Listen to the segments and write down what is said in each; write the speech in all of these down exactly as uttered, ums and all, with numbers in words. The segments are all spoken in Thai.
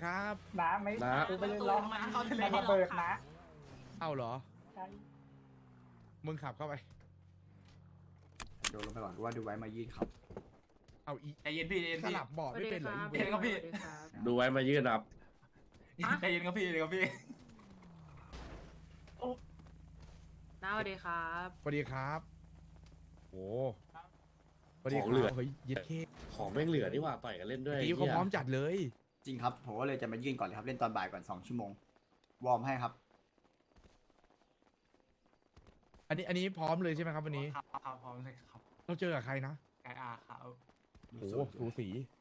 ครับน้ำไม่น้ากูไปเล่นล้อมาเขาทะเลมันระเบิดนะเอาเหรอใช่มึงขับเข้าไปโดนลงไปก่อนว่าดูไว้มายื่นครับเอาอีใจเย็นพี่ใจเย็นสพี่ลับเบาะไม่เป็นเหรออีเย็นครับพี่ดูไว้มายืดครับใจเย็นครับพี่ใจเย็นครับพี่น้าสวัสดีครับสวัสดีครับโอ้สวัสดีคของเหลืรัอบเฮ้ยยึดเคของแม่งเหลือนี่หว่าต่อยกันเล่นด้วยตีเขาพร้อมจัดเลยจริงครับผมก็เลยจะมายื่นก่อนเลยครับเล่นตอนบ่ายก่อนสองชั่วโมงวอร์มให้ครับอันนี้อันนี้พร้อมเลยใช่ไหมครับวันนี้ครับครับพร้อมเลยครับเราเจอกับใครนะไกอาครับโอ้โหสูสี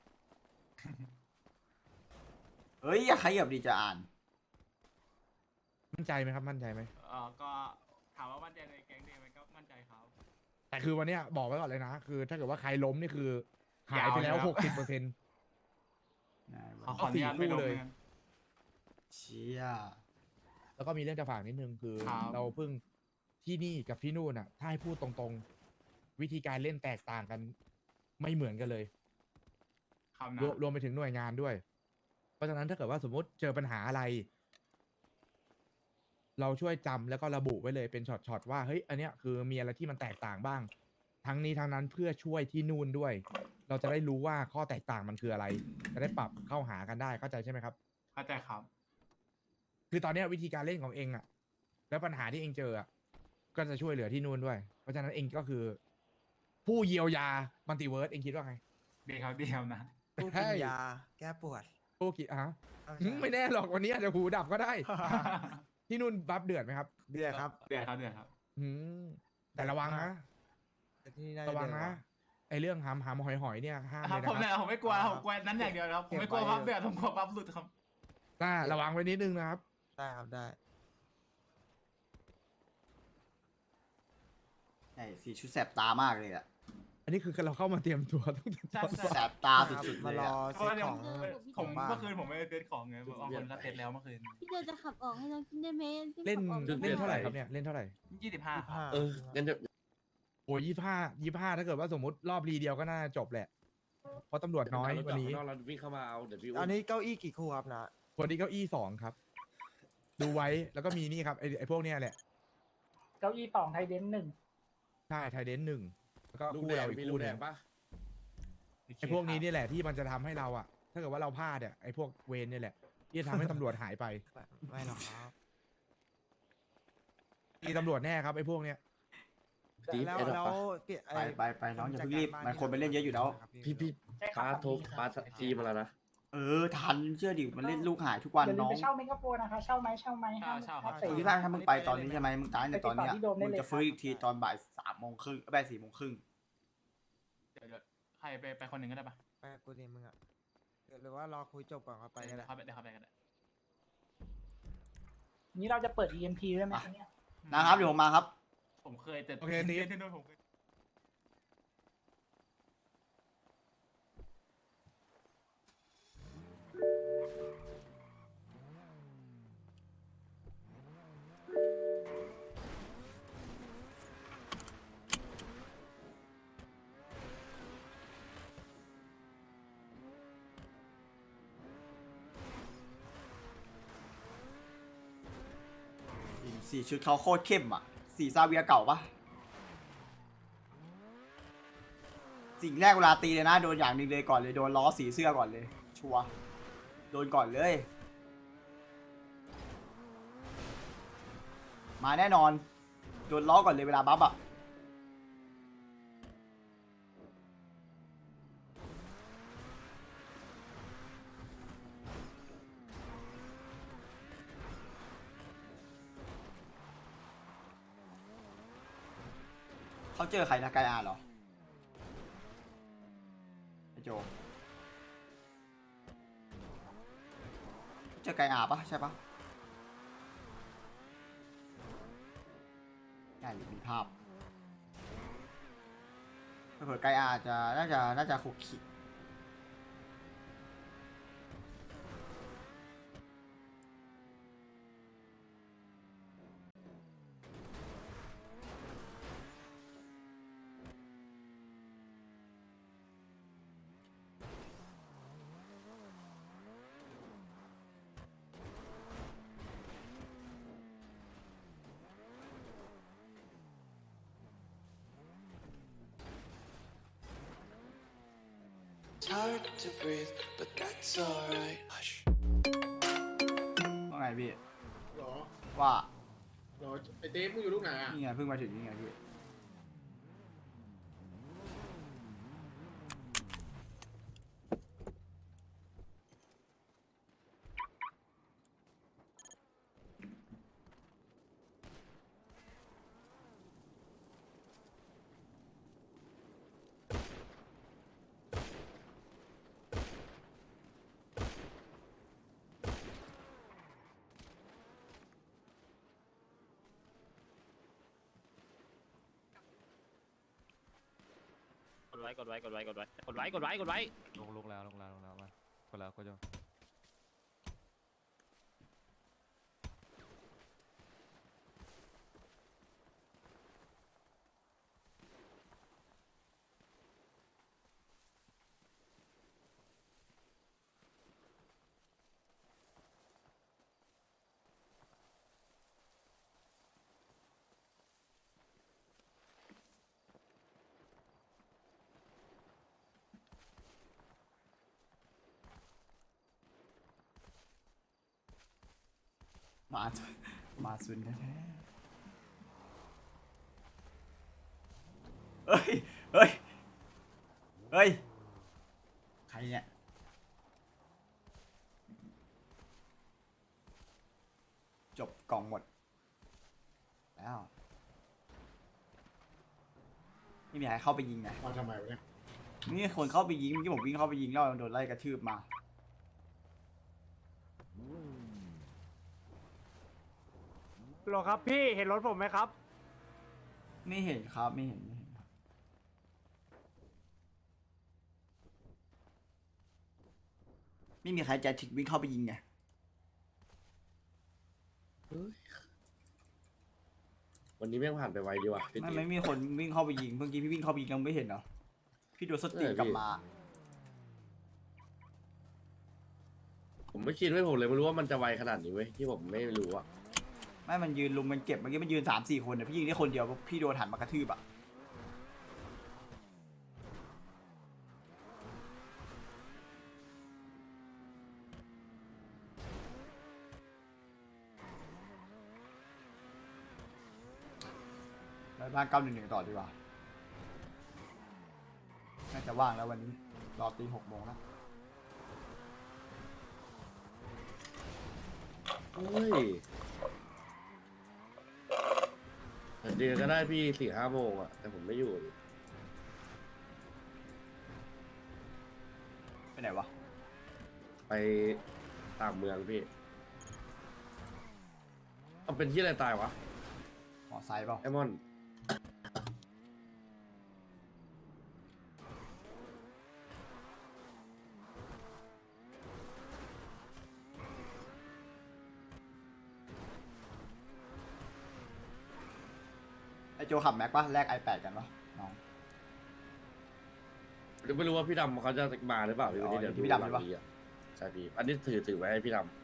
เฮ้ยอย่าขยับดีจะอ่านมั่นใจไหมครับมั่นใจไหมเออก็ถามว่ามั่นใจในแก๊งเดียวไหมก็มั่นใจครับแต่คือวันเนี้ยบอกไว้ก่อนเลยนะ คือถ้าเกิดว่าใครล้มนี่คือหายไปแล้วยาวเลยครับหกสิบเปอร์เซ็นต์ขอขออนุญาตไม่ลงเลยนะเชี่ยแล้วก็มีเรื่องจะฝากนิดนึงคือครับเราเพิ่งที่นี่กับที่นู่นอ่ะ ถ้าให้พูดตรงๆ วิธีการเล่นแตกต่างกัน ไม่เหมือนกันเลยครับรนะวมรวมไปถึงหน่วยงานด้วย เพราะฉะนั้นถ้าเกิดว่าสมมติเจอปัญหาอะไร เราช่วยจำแล้วก็ระบุไว้เลยเป็นช็อตๆว่าเฮ้ยอันเนี้ยคือมีอะไรที่มันแตกต่างบ้าง ทั้งนี้ทั้งนั้นเพื่อช่วยที่นู่นด้วย เราจะได้รู้ว่าข้อแตกต่างมันคืออะไร จะได้ปรับเข้าหากันได้เข้าใจใช่ไหมครับเข้าใจครับคือตอนเนี้ยวิธีการเล่นของเองอะแล้วปัญหาที่เองเจออะก็จะช่วยเหลือที่นู่นด้วย เพราะฉะนั้นเองก็คือ ผู้เยียวยามัลติเวิร์สเองคิดว่าไงดีครับดีครับนะผู้กินยาแก้ปวดผู้กี่อะเอาหืใช่มไม่แน่หรอกวันนี้อาจจะหูดับก็ได้ ที่นู่นบัฟเดือดไหมครับเดือดครับเดือดครับเดือดครับหืมแต่ระวังนะแต่ที่นี่น่าจระวังเดือดนะกาไอเรื่องหามหามหอยหอยเนี่ยห้ามคเลรับยผมนะเนี่ยครับผมไม่กลัวผมกลัวนั้นอย่างเดียวครับผมไม่กลัวพับเดือดผมกลัวพับหลุดครับน่าระวังไว้นิดนึงนะครับได้ครับได้ใช่สีชุดแสบตามากเลยอะอันนี้คือเราเข้ามาเตรียมตัวตั้งแต่ตอนใช่แสบตาสุดๆเลมาย รออะเพราะเซ็ตว่าเดี๋ยวของผมบ้านเมื่อคืนผมไม่ได้เซ็ตของไงบางคนก็เซ็ตแล้วเมื่อคืนพี่เจจะขับออกให้น้องกินได้ไหมพี่เล่นขับออกเล่นเท่าไหร่ครับเนี่ยเล่นเท่าไหร่ยี่สิบห้าครับห้าเอองั้นจะโอ้ยี่ห้ายี่ห้าถ้าเกิดว่าสมมติรอบรีเดียวก็น่าจบแหละ เพราะตำรวจน้อยวันนี้นอกเราวิ่งเข้ามาเอาเดี๋ยวพี่อันนี้เก้าอี้กี่คู่ครับนะคนที่เก้าอี้สองครับ ดูไว้แล้วก็มีนี่ครับไอไอพวกเนี้ยแหละเก้าอี้สองไทยเดนหนึ่งใช่ไทยเดนหนึ่งแล้วก็ลูกคู่แดงเราอีกมีลูคู่กหแดนึ่งงปะไอพวกนี้นี่แหละที่มันจะทำให้เราอะถ้าเกิดว่าเราพลาดอะไอพวกเวรเนี่ยแหละ ที่จะทำให้ตำรวจหายไปไม่หรอกครับตีตำรวจแน่ครับไอพวกเนี้ยจีบแล้วไอ้ดอกแล้วปะเปลี่ยนไปไปไปน้องอย่าเพิ่งรีบมันคนไปเล่นเยอะอยู่แล้วพี่พี่ใช่ครับปาโทรปาจีมาแล้วนะเออทันเชื่อดิมันเล่นลูกหายทุกวันอย่าลืมน้องไปเช่าเมกะโฟนนะคะเช่าไหมเช่าไหมห้ามเช่าห้ามเช่าเตะพี่พางถ้ามึงไปตอนนี้ใช่ไหมมึงตายในตอนเนี้ยไปติดต่อที่โดมได้มึงเลยจะฟื้นอีกทีตอนบ่ายสามโมงครึ่งบ่ายสี่โมงครึ่งเดี๋ยวเดี๋ยวใครไปไปคนหนึ่งก็ได้ปะไปกับกูดิมึงอ่ะหรือว่ารอคุยจบก่อนก็ไปก็ได้ครับเดี๋ยวครับไปกันได้นี้เราจะเปิด อี เอ็ม พี ได้ไหมคะเนี่ยนะครับเดี๋ยวผมมาครับผมเคยแต่โอเคนี่ที่นู่นผมเคยสีชุดเขาโคตรเข้มอ่ะ สีซาเวียเก่าปะสิ่งแรกเวลาตีเลยนะ โดนอย่างหนึ่งเลยก่อนเลย โดนล้อสีเสื้อก่อนเลย ชัวร์โดนก่อนเลย มาแน่นอน โดนล้อก่อนเลยเวลาบัฟอ่ะ เขาเจอใครนะไกอาเหรอไอโจเจอไกอาปะใช่ปะใช่มีภาพเผื่อไกอาจะน่าจะน่าจะคุกคิ hard to breathe, but that's alright. Hush. ว่าไงพี่หรอว่าหรอไอเต้มึงอยู่ลูกไหนอ่ะนี่ไงเพิ่งมาถึงนี่ไงพี่กดไว้กดไว้กดไว้กดไว้กดไว้กดไว้กดไว้ลงลงแล้วลงแล้วลงแล้วมากดแล้วกดยังมามาซุนแท้ๆเฮ้ย เฮ้ย เฮ้ย ใครเนี่ย จบกล่องหมด แล้ว ไม่มีใครเข้าไปยิงไงมาทำไมวะเนี่ยนี่คนเข้าไปยิงเมื่อกี้ผมวิ่งเข้าไปยิงแล้วโดนไล่กระทืบมาหรอครับพี่เห็นรถผมไหมครับไม่เห็นครับไม่เห็นไม่เห็นครับไม่มีใครใจถึงวิ่งเข้าไปยิงไงวันนี้แม่งผ่านไปไวดีว่ะพี่ไม่ตีไม่มีคนวิ่งเข้าไปยิงเมื่อกี้พี่วิ่งเข้าไปยิงยังไม่เห็นเหรอพี่โดนสติเออพี่กลับมาผมไม่คิดไว้ผมเลยไม่รู้ว่ามันจะไวขนาดนี้เว้ยที่ผมไม่รู้อะไม่มันยืนลุมมันเก็บเมื่อกี้มันยืนสามสี่คนเนี่ยพี่ยิงได้คนเดียวพี่โดนหันมากระทืบอ่ะไปบ้านเก้าหนึ่งหนึ่งต่อดีกว่าน่าจะว่างแล้ววันนี้รอตีหกโมงแล้วเฮ้ยเดือนก็ได้พี่สี่ห้าโมงอะแต่ผมไม่อยู่ดิไปไหนวะไปต่างเมืองพี่เอาเป็นที่อะไรตายวะหมอไซค์เปล่าไอมอนไอโจขับแม็กปะแลก ไอแปด กันปะน้องเดี๋ยวไม่รู้ว่าพี่ดำเขาจะมาหรือเปล่าพี่วันนี้อ๋อเดี๋ยวพี่ดำหลังใช่ปะนี้อะใช่พี่อันนี้ถือถือไว้ให้พี่ดำ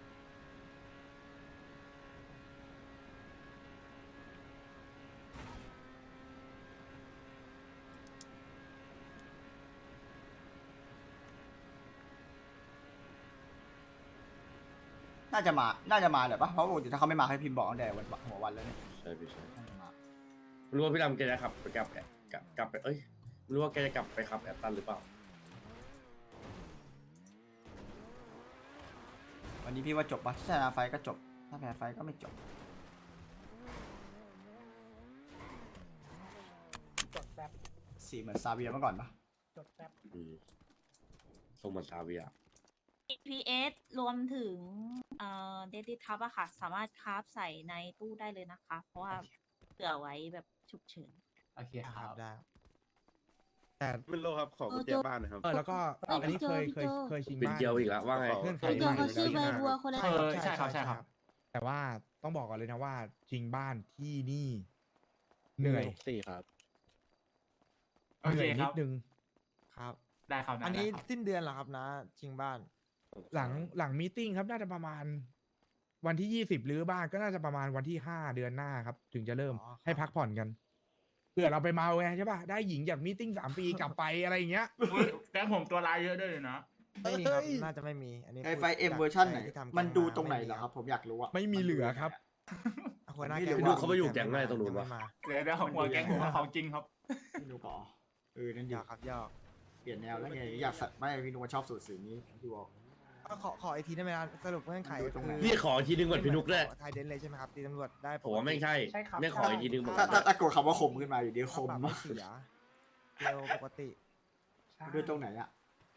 น่าจะมา น่าจะมาแหละปะเพราะปกติถ้าเขาไม่มาให้พิมพ์บอกตั้งแต่วันหัววันแล้วเนี่ยใช่พี่ใช่น่าจะมาไม่รู้ว่าพี่ดำแกจะขับไปกลับแอบกลับกลับไปเอ้ยไม่รู้ว่าแกจะกลับไปขับแอตตันหรือเปล่าวันนี้พี่ว่าจบปะถ้าชนะไฟก็จบ ถ้าแพ้ไฟก็ไม่จบจดแป๊บสี่เหมือนซาเวียเมื่อก่อนปะจดแป๊บอืมทรงเหมือนซาเวียพี เอส รวมถึงเอ่อเดดิทับอะค่ะ สามารถคราฟใส่ในตู้ได้เลยนะคะ เพราะว่าเผื่อไว้แบบฉุกเฉินโอเคคครัรับบได้แต่ไม่รู้ครับ ขอกุญแจบ้านหนะครับเออแล้วก็เอ้ยอันนี้พี่โจเคยพี่เคยโจเคยชิงเป็นบ้านเกียวอีกแล้วว่าไงเงื่อนไขพี่โจใหม่เขาชื่อใบบัวคนละใช่แบบใช่ครับใช่ครับ แต่ว่าต้องบอกก่อนเลยนะว่าชิงบ้านที่นี่ เหนื่อยสี่ครับโอเหเคนื่อยคนิรัดบนึงครับได้ครับได้อันนี้ได้ครับสิ้นเดือนเหรอครับนะชิงบ้านหลังหลังมีติ้งครับน่าจะประมาณ วันที่ยี่สิบรื้อบ้านก็น่าจะประมาณวันที่ห้าเดือนหน้าครับ ถึงจะเริ่มอ๋อครับให้พักผ่อนกัน เพื่อผื่อเราไปเมาไงใช่ป่ะได้หญิงจากมีติ้งสามปีกลับไปอะไรอย่างเงี้ยอุ๊ยแก๊งผมตัวร้ายเยอะด้วยเลยนะไม่มีครับน่าจะไม่มีอันนี้ไอพูดไฟเอ็มจากเวอร์ชันไหนใจที่ทำมันแก๊ดูมาตรงไหนม่มีเหรอครับ ผมอยากรู้อะไม่มีเหลือครับหัวหน้าไม่แก๊งรู้บอกเขาไปอยู่แก๊งอะไรตรงนู้นยัวะไม่มาเดี๋ยวเดี๋ยวหัวแก๊งผมว่าของจริงครับพี่นุกอ๋อเออนั่นหดียอกครับหยอกเปลี่ยนแนวแล้วไงอยากสัตว์ไม่พี่นุกมันชอบสูตรสีนี้พี่บอกก็ขอขออีกทีได้ไหมครับสรุปเงื่อนไขดูตรงไหนพี่ขออีกทีนึงก่อนพี่นุกด้วยไทยเดนเลยใช่ไหมครับตีตำรวจได้ผมว่าไม่ใช่ใช่ครับไม่ขออีกทีนึงบอกถ้าถ้าตะโกนคำว่าข่มขึ้นมาอยู่ดีคค่าม ปรับไม่เสียเร็วปกติใช่ดูตรงไหนอะ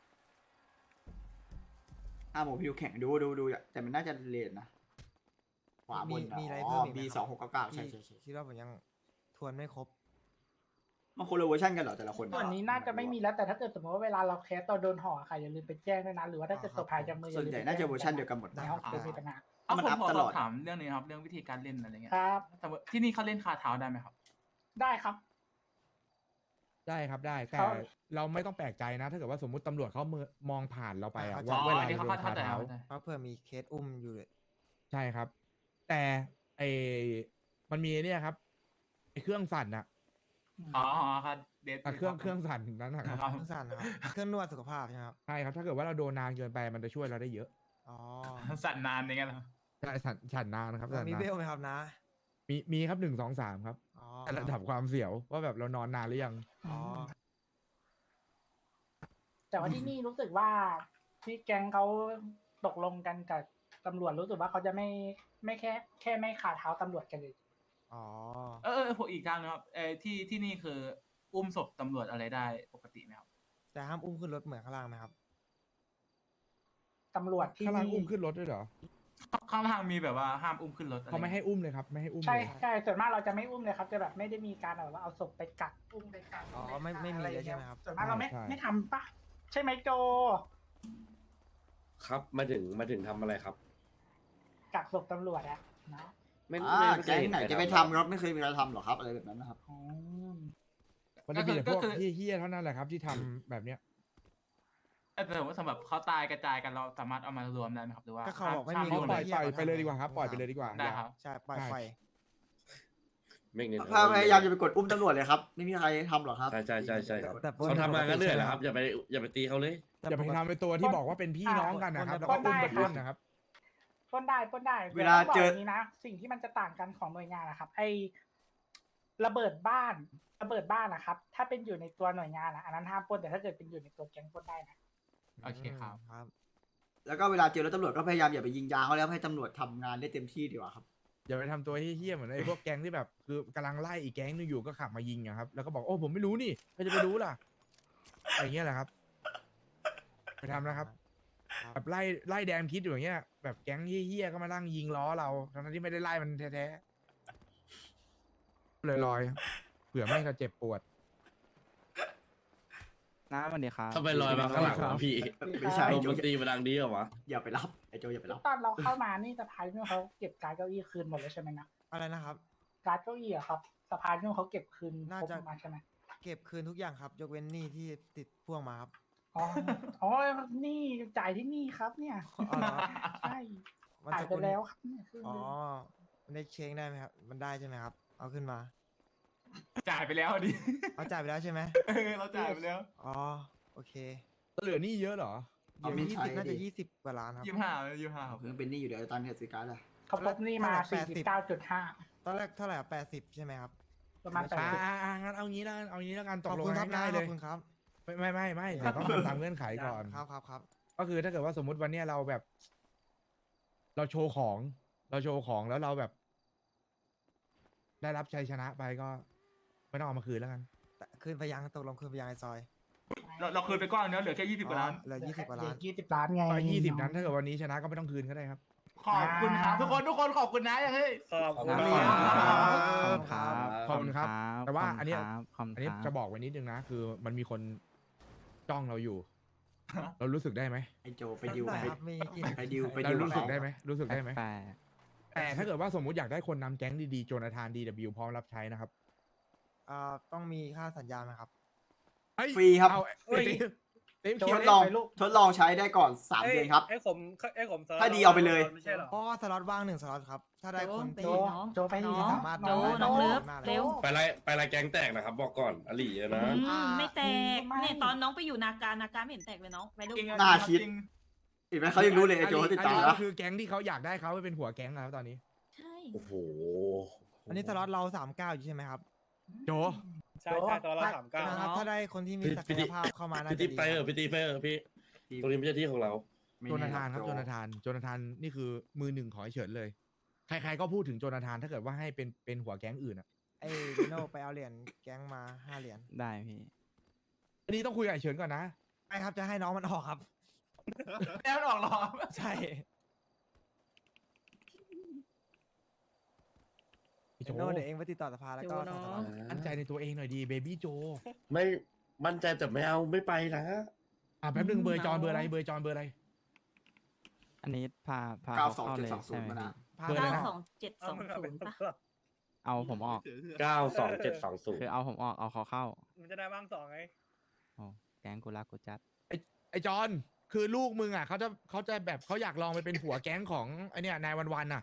อ่ะหมูพี่ดูแข่งดูดูดูแต่มันน่าจะเลนนะขวาบมีนมีอะไรอ๋เพิ่อมอีกไหมบีครับสองหกเก้าเก้าใช่ที่ใช่ใช่คิดว่าผมยังทวนไม่ครบมันคนละเวอร์ชันกันเหรอแต่ละคนส่วนนี้น่าจะไม่มีแล้วแต่ถ้าเกิดสมมติว่าเวลาเราแคสตอนโดนห่อค่ะอย่าลืมไปแจ้งด้วยนะหรือว่าถ้าเกิดตกภายจากมืออย่ส่วนลืมใหญ่ไปน่าจะแจ้งเวอร์ชันเดียวกันหมดในห้องเป็นมีปัญหาเอามันผมอัพขอตสลออดบถามเรื่องนี้ครับ เรื่องวิธีการเล่นอะไรเงี้ยครับแต่ว่าที่นี่เขาเล่นคาเท้าได้ไหมครับได้ครับได้ครับได้แต่เขาเราไม่ต้องแปลกใจนะ ถ้าเกิดว่าสมมติตำรวจเขาเมอมองผ่านเราไปอะอ๋อว่าเวลาอันนี้เราเขาโดนเข้าใจคาเท้าเข้าใจเพราะเผื่อมีเคสอุ้มอยู่เลยใช่ครับ แต่ไอมันมีเนี่ยครับไอเครื่องสั่นอะอ๋ออ๋อครับเดทอ่ะเครื่องเครื่องสั่นนั้นนะครับครับเครื่องสั่นนะครับเครื่องนวดสุขภาพใช่ไหมครับใช่ครับถ้าเกิดว่าเราโดนนานเกินไปมันจะช่วยเราได้เยอะอ๋อสั่นนานอย่างเงี้ยเหรอใช่สั่นสั่นนานนะครับสั่นมีนาเบนลไหมครับนะมีมีครับหนึ่งสองสามครับอ๋อแต่ระดับความเสียวว่าแบบเรานอนนานหรือยังอ๋อแต่ว่าที่นี่รู้สึกว่าที่แก๊งเขาตกลงกันกับตำรวจรู้สึกว่าเขาจะไม่ไม่แค่ แค่ไม่ขาเท้าตำรวจกันเลยอ๋อเออเออผมอีกทางนะครับเออที่ที่นี่คืออุ้มศพตำรวจอะไรได้ปกติไหมครับแต่ห้ามอุ้มขึ้นรถเหมือนข้างล่างไหมครับตำรวจที่ข้างล่างนี่อุ้มขึ้นรถด้วยเหรอข้างล่างมีแบบว่าห้ามอุ้มขึ้นรถอะรเขาไม่ให้อุ้มเลยครับ ไม่ให้อุ้มใช่เลยใช่ส่วนมากเราจะไม่อุ้มเลยครับจะแบบไม่ได้มีการแบบว่าเอาศพไปกักอุ้มไปกักอ๋อไม่ไม่มีเลยใช่ไหมครับส่วนมากเราไม่ไม่ทำปะใช่ไหมโจครับมาถึงมาถึงทำอะไรครับกักศพตำรวจอะนะไม่อ่าไม่ไม่เคแก๊ยงเห็นไหนใครจะไปทำทำครับไม่เคยมีใครทำหรอกครับอะไรแบบนั้นนะครับอืมมันจะมีแต่พวกก็คือเฮี้ยๆเท่านั้นแหละครับที่ทำแบบเนี้ยเออแต่ว่าสำหรับเขาตายกระจายกันเราสามารถเอามารวมได้ไหมครับหรือว่าก็เขาบอกไม่มีห้ปรวล่อยเหี้ปล่อยเขาไปเลยทำดีกว่าครับไงปล่อยไปเลยดีกว่าได้ครับใช่ปล่อยใช่ไฟไม่เน้นพยายามจะไปกดอุ้มตำรวจเลยครับไม่มีใครทำหรอกครับใช่ใช่ใช่ใช่ครับแต่ปล้นเขาทำงานกันเหนื่อยปกติแล้วครับอย่าไปอย่าไปตีเขาเลยอย่าไปทำเป็นตัวที่บอกว่าเป็นพี่น้องกันนะครับ แล้วก็อุ้มไปปล้นนะครับปล้นได้ปล้นได้เวลาเจอแต่ต้องบกย่งนี้นะสิ่งที่มันจะต่างกันของหน่วยงานนะครับ ไอระเบิดบ้านระเบิดบ้านนะครับ ถ้าเป็นอยู่ในตัวหน่วยงานนะอันนั้นห้ามปล้นแต่ถ้าเกิดเป็นอยู่ในตัวแก๊งปล้นได้นะโอเคครับครับแล้วก็เวลาเจอรถตำรวจก็พยายามอย่าไปยิงยางเขาแล้วให้ตำรวจทำงานได้เต็มที่ดีกว่าครับอย่าไปทำตัวเฮี้ยๆเหมือนไอ้พวกแก๊งที่แบบคือกำลังไล่อีกแก๊งนึงอยู่ก็ขับมายิงอะครับ แล้วก็บอกโอ้ผมไม่รู้นี่ใครจะไปรู้ล่ะอย่างเงี้ยแหละครับ ไปทำนะครับครับแบบไล่ไล่แดมคิดอยู่อย่างเงี้ยแบบแก๊งเฮี้ยๆก็มานั่งยิงล้อเราทั้งที่ไม่ได้ไล่มันแท้ๆเลยลอยๆเผื่อไม่จะเจ็บปวดน้าสวัสดีครับทำไมลอยมาข้างหลังวะพี่ไม่ใช่ลมมันตีมาดังดีเหรอวะอย่าไปรับไอ้โจอย่าไปรับตอนเราเข้ามานี่สะพายนู่นเขาเก็บการดเก้าอี้คืนหมดเลยใช่ไหมนะอะไรนะครับการดเก้าอี้อะครับสะพายนู่นเขาเก็บคืนน่าครบจะมาใช่ไหมเก็บคืนทุกอย่างครับ ยกเว้นหนี้ที่ติดพ่วงมาครับอ๋ออ๋อนี่จ่ายที่นี่ครับ เนี่ยอ๋อเหรอใช่มันจ่ายสไปกุลแล้วครับเนี่ยคืนอ๋อเลยมันได้เช็คได้ไหมครับ มันได้ใช่ไหมครับ เอาขึ้นมาจ่ายไปแล้วดิเอาจ่ายไปแล้วใช่ไหมเออเราจ่ายไปแล้วอ๋อ โอเคเหลือหนี่เยอะเหรอเอาเดี๋ยวไม่ยี่ใช้สิบน่าจะดิยี่สิบกว่าล้านครับยี่สิบห้ายี่สิบห้าครับเพิ่งเป็นหนี้อยู่เดี๋ยวตอนนี้ซื้อการ์ดอะเขาพบนี่มาแปสี่ดสิสิบบเก้าจุดห้าตอนแรกเท่าไหร่แปดสิบใช่ไหมครับประมาณแปดอ่าสิบอ่าอ่างั้นเอางี้แล้วกันเอางี้แล้วกันตขกอบลงคุณครับง่ายๆขเลอบยคุณครับไม่ไม่ไม่ไม่เดี๋ยวต้องทำตามเงื่อนไขก่อนครับครับครับก็คือถ้าเกิดว่าสมมติวันเนี้ยเราแบบ เราโชว์ของ เราโชว์ของแล้วเราแบบ ได้รับชัยชนะไปก็ ไม่ต้องเอามาคืนแล้วกันแต่คืนไปยังตกลงคืนไปยังไอซอยเราเราคืนไปก้อนเนื้อเหลือแค่ยี่สิบกว่าล้านอ๋อเหลือยี่สิบกว่าล้านยี่สิบล้านไงก็ยี่สิบนั้นถ้าเกิดวันนี้ชนะก็ไม่ต้องคืนก็ได้ครับขอบคุณครับทุกคนทุกคนขอบคุณนะเฮ้ยขอบคุณขอบครับคุณครับขอบคุณครับ แต่ว่าอันเนี้ยขอบคุณอันนี้ครับจะบอกไว้นิดนึงนะ คือมันมีคนจ้องเราอยู่ เรารู้สึกได้ไหมไอ้โจไปดิวได้ไปครับมีกินไปดิวไปเราดิวรู้สึกเขาได้ไหมรู้สึกได้ไหมแปลกแต่ถ้าเกิดว่าสมมุติอยากได้คนนำแก๊งดีๆโจนาธานดีดับพร้อมรับใช้นะครับอ่าต้องมีค่าสัญญาไหมครับเอ้ยฟรีครับเอาเอ้ยเต็มโจเขียวทดเลองไปลูกทดลองใช้ได้ก่อนสามเดือนครับไอ้ผมไอ้ผมถ้าดีเอาไปเลยไม่ใช่หรอเพราะว่าสล็อตว่างหนึ่งสล็อตครับ ถ้าได้คนโจที่น้องโจไปน้ที่องสามารถโจได้น้องเลิฟได้เร็วไปไล่ไปไล่แก๊งแตกนะครับบอกก่อนอลีอะนะอืมอ่าไม่แตกไม่เนี่ยตอนน้องไปอยู่นาการนาการไม่เห็นแตกเลยน้องไปดูจริงอะน่าจริงคิดจริงเห็นไหมเขายังรู้เลยไอ้โจเขาติดตามอันนี้นะก็คือแก๊งที่เขาอยากได้เขาไปเป็นหัวแก๊งแล้วตอนนี้ใช่โอ้โหอันนี้สล็อตเราสามเก้าอยู่ใช่ไหมครับโจใช่ใช่ตอนเราสามเก้านะครับถ้าได้คนที่มีศักยภาพเข้ามาน่าพี่จะติ๊บดีไปเอคอรับพี่ติ๊บไปเออพี่ตรงนี้ไม่ใช่ที่ของเราไม่โจนาแน่ธานครับโจโจนาธานโจนาธานนี่คือมือหนึ่งของไอ้เฉินเลย ใครๆก็พูดถึงโจนาธานถ้าเกิดว่าให้เป็นเป็นหัวแก๊งอื่นอ่ะไอ้ดิโน่ไปเอาเหรียญแก๊งมาห้าเหรียญได้พี่อันนี้ต้องคุยกับไอ้เฉินก่อนนะไม่ครับจะให้น้องมันออกครับแล้วมันออกหรอใช่พี่โจดิโน่เดี๋ยวเองไปติดต่อสภาแล้วก็โจส่งสเนาะล็อตมั่นใจในตัวเองหน่อยดีเบบี้โจไม่มั่นใจแต่ไม่เอาไม่ไปนะอ่ะแป๊บนึงเบอร์จอนเบอร์อะไรเบอร์จอนเบอร์อะไรอันนี้พาพาเก้าเขาสองเข้าเจ็ดเลยสองศูนใช่ย์ไหมมานะพี่เบอร์อะไรเก้านะสองเจ็ดสองศูนย์ปะเอาผมออกเก้าสองเจ็ดสองศูนคือย์เอาผมออกเอาเขาเข้ามันจะได้บ้างสองไงโอ้แก๊งกูรักกูจัดไอ้จอนคือลูกมึงอ่ะเขาจะเขาจะแบบเขาอยากลองไปเป็นหัวแก๊งของไอเนี้ยนายวันวันๆอ่ะ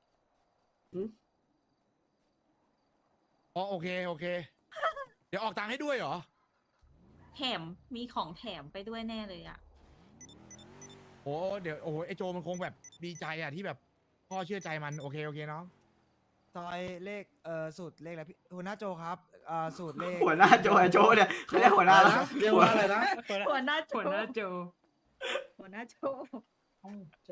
อ๋อโอเคโอเค เดี๋ยวออกตังค์ให้ด้วยเหรอแถมมีของแถมไปด้วยแน่เลยอ่ะโอ้เดี๋ยวโอ้โหไอโจมันคงแบบดีใจอ่ะที่แบบพ่อเชื่อใจมันโอเคโอเคน้องซอยเลขเอ่อสูตรเลขอะไรพี่หัวหน้าโจครับเอ่อสูตรเลขหัวหน้าโจไอ้โจเนี่ยเขาเรียกหัวหน้าแล้วเรียกว่าอะไรนะหัวหน้าโจหัวหน้าโจหัวหน้าโจอ้าวโจ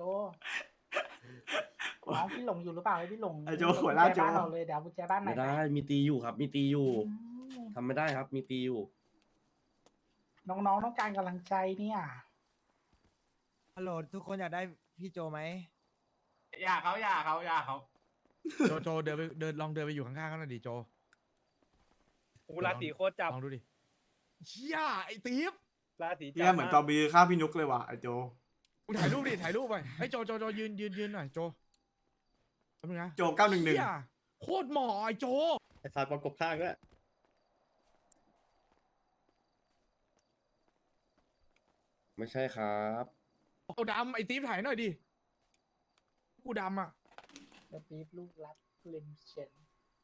น้องพี่หลงอยู่หรือเปล่าให้พี่หลงไอ้โจหัวหน้าโจกุญแจบ้านเราเลยเดี๋ยวกุญแจบ้านไหนไม่อยได้มีตีอยู่ครับ มีตีอยู่อืมทำไม่ได้ครับ มีตีอยู่น้องๆต้องการกำลังใจเนี่ยฮัลโหลทุกคนอยากได้พี่โจไหมอย่าเขาอย่าเขาอย่าเขาโจโจเดินไปเดินลองเดินไปอยู่ข้างๆเขาหน่อยดิโจอูราศีโคตรจับลองดูดิเชี่ยไอ้ตีฟราศีจัเนี่ยเหมือนกอบีข้าวพี่นุกเลยว่ะไอ้โจมึงถ่ายรูปดิถ่ายรูปไปไอ้ยโจโจโจยืนยืนยืนหน่อยโจแป๊บนึงนะโจเก้าหนึ่งหนึ่งเชี่ยโคตรหมอไอ้โจไอ้สายประกบข้างด้วยไม่ใช่ครับเอาดำไอ้ตีฟถ่ายหน่อยดิกูดำอ่ะสตีฟลูกรักเลมเชน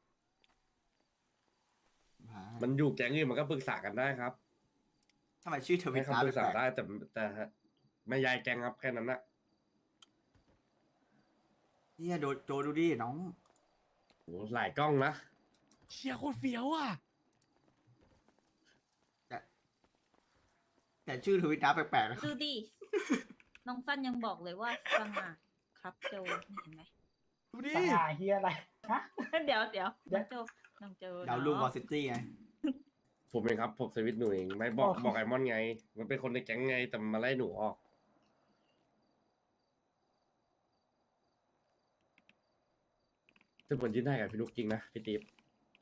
มันอยู่แก๊งอื่นมันก็ปรึกษากันได้ครับทำไมชื่อเธอให้เป็นฟ้าคำปรึกษาแปลได้กแต่แต่ไม่ย้ายแก๊งครับแค่นั้นนะๆเนี่ยโดโจดูดิน้องโหหลายกล้องนะเชี่ยโคตรเฟี้ยวอ่ะแต่ชื่อทวิตนะแปลกๆนะดูดิ น้องฟันยังบอกเลยว่าสง่าครับโจเห็นไหมดูดิสง่าเฮียอะไรฮะเดี๋ยวเดี๋ยวน้องโจน้องโจดาวลูกวอลซิตี้ไงผมเองครับผมสวิตช์หนูเองไม่บอกโอ้บอกไอมอนไง มันเป็นคนในแก๊งไงแต่มันมาไล่หนูออกซึ่งผลยื่นได้กับพี่นุกจริงนะพี่ติ๊บ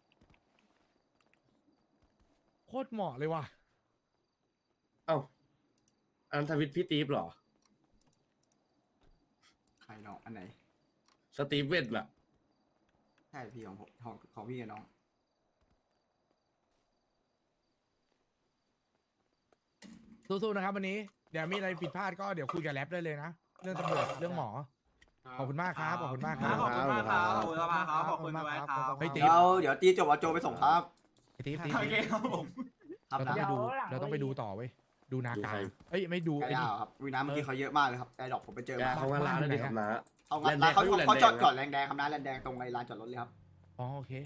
โคตรเหมาะเลยว่ะเอ้าอันทวิตพี่ติ๊บเหรอใครน้องอันไหนสตีฟเวนล่ะใช่พี่ของผมของของพี่กับน้องสู้ๆนะครับวันนี้เดี๋ยวมีอะไรผิดพลาดก็เดี๋ยวคุยกับแรปได้เลยนะเรื่องตำรวจเรื่องหมอขอบคุณมากครับขอบคุณมากครับขอบคุณมากครับขอบคุณมากครับขอบคุณมากครับเฮ้ยเดี๋ยวเดี๋ยวตีจบเอาโจไปส่งครับไอ้ตีฟตีฟโอเคครับผมครับเราต้องนะไปดูเราต้องไปดูต่อเว้ยดูนาดูกาใครเอ้ยไม่ดูไอ้ไอ้นี่ดาวครับวีน้ำเมื่อกี้เขาเยอะมากเลยครับไอ้ดอกผมไปเจอแกมาเขาว่าร้านเลยครับนะเอางั้นแลนด์แดงเขาเขาอยู่แลนด์เขาแดงจอดนะก่อนแรงแดงครับนะแรงแดงตรงในลานจอดรถเลยครับอ๋อโอเค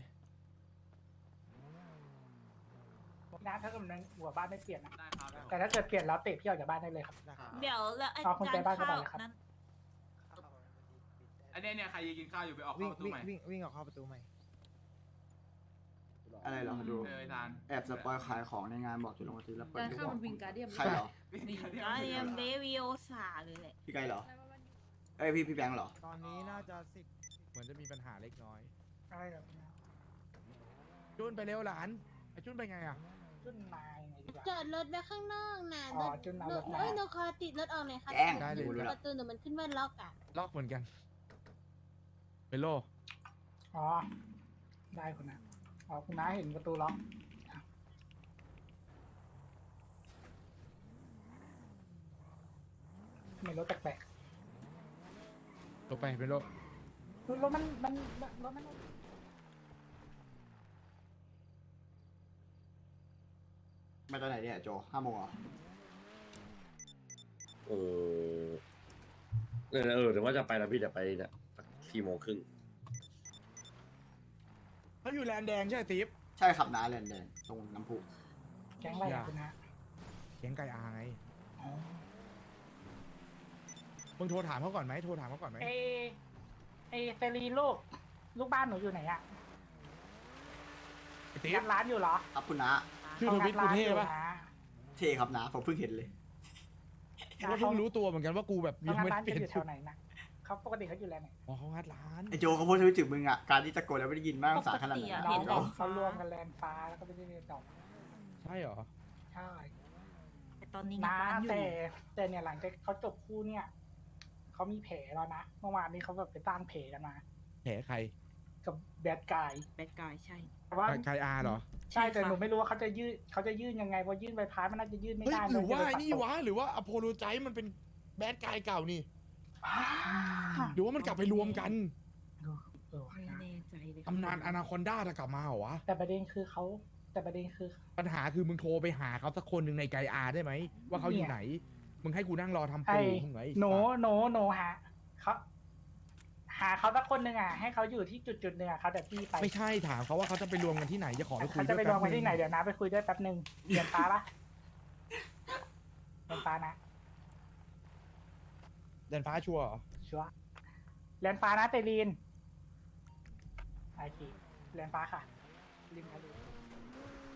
นะถ้าเกิดมันหัวบ้านไม่เปลี่ยนนะได้ครับได้ครับแต่ถ้าเกิดเปลี่ยนแล้วเตะพี่ออกจากบ้านได้เลยครับเดี๋ยวแล้วไอ้เอาคุณไปจานบ้านก็ข้าได้วครับนั้นอันเนี้ยเนี่ยใครยังกินข้าวอยู่ไปออกวิ่เข้าง ประตูวิ่งใหม่วิ่งวิ่งออกเข้าประตูใหม่อะไรเหรอดูเออทานแอบสปอยขายของในงานบอกจุดลงทีแล้วเปิดการดูเข้ามันวิงการเดียมใครเหรอวิงการเดียมเดวิโอซาเลยแหละพี่ไกเหรอเอ้ยพี่พี่แบงค์เหรอตอนนี้น่าจะสิบเหมือนจะมีปัญหาเล็กน้อยอะไรแบบนี้จุนไปเร็วหลานไอ้จุนไปไงอ่ะจุนนายไงดีกว่าจอดรถไว้ข้างนอกนะอ๋อจุนเอารถมาเอ้ยหนูขอติดรถออกเลยค่ะแจ้งได้เลยดูแล้วประตูหนูมันขึ้นว่าล็อกอ่ะล็อกเหมือนกันเปโลอ๋อได้คุณนะอ๋อคุณน้าเห็นประตูล็อกมีรถแปลกลงไปเป็นรถๆรถมันมันรถมันมาตอนไหนเนี่ยโจห้าโมงเหรอเออเออเออเดี๋ยวว่าจะไปแล้วพี่เดี๋ยวไปเนี่ยสี่โมงครึ่งเขาอยู่แลนด์แดงใช่ไหมติ๊บใช่ครับน้าแลนแดงตรงน้ำพุแก๊งอะไรอย่าอะคุณนะเขียงไก่อาไงอ๋อมึงโทรถามเขาก่อนไหมโทรถามเขาก่อนไหมเอเอเซรีลูก ลูกบ้านหนูอยู่ไหนอะไอ้ติ๊งับดร้านอยู่เหรอครับคุณน้าชื่อทวิตกูเท่ปะเทครับน้าผมเพิ่งเห็นเลยกูก็เพิ่งรู้ตัวเหมือนกันว่ากูแบบเขายังงัดไม่ร้านเปลี่ยกันนอยู่แถชุดวไหนนะเขาปกติเขาอยู่แลนด์ไหนอ๋อเขางัดร้านไอโจเขาพูดทวิตถึงมึงอ่ะ การที่ตะโกนแล้วไม่ได้ยินมากสาขนาดไหนปกติอะอะน้องเห็นเขาแล้วเขารวมกันแลนด์ฟ้าแล้วก็ไปที่เรียนต่อใช่เหรอใช่แต่ตอนนี้งัดนะร้านอยู่แต่แต่เนี่ยหลังจากเขาจบคู่เนี่ยเขามีแผลแล้วนะเมื่อวานนี้เขาแบบไปตั้งแผลกันมาแผลใครกับแบดกายแบดกายใช่แต่ว่าไก่อาเหรอใช่แต่ค่ะหนูไม่รู้ว่าเขาจะยื่นเขาจะยื่นยังไงเพราะยื่นใบพัดมันน่าจะยื่นไม่เฮ้ยได้หรือว่ามัไอ้จะนี่ไปปัดตกวะหรือว่าอโพโลไจมันเป็นแบดกายเก่านี่อ่าหรือว่ามันกลับไปรวมกันเออว่ะไม่แน่ใจเลยตำนานอนาคอนด้าจะกลับมาเหรอวะแต่ประเด็นคือเขาแต่ประเด็นคือปัญหาคือมึงโทรไปหาเขาสักคนหนึ่งในไกอาได้ไหมว่าเขาอยู่ไหน มึงให้กูนั่งรอทำไอ้ปูมึงไงโนโนโนหาเขาหาเขาสักคนหนึ่งอ่ะให้เขาอยู่ที่จุดจุดๆหนึ่งอ่ะเขาแต่พี่ไปไม่ใช่ถามเขาว่าเขาจะไปรวมกันที่ไหนจะขอไปคุยเขาด้จะวยไปแป๊รวบมกันนึที่งไหนเดี๋ยวนะไปคุยด้วยแป๊บหนึ่งเรียนฟ้าละเรียนฟ้านะเดินฟ้าชัวร์เหรอชัวร์เรียนฟ้านะเตลีนโอเคเรียนฟ้าค่ะริมทะเล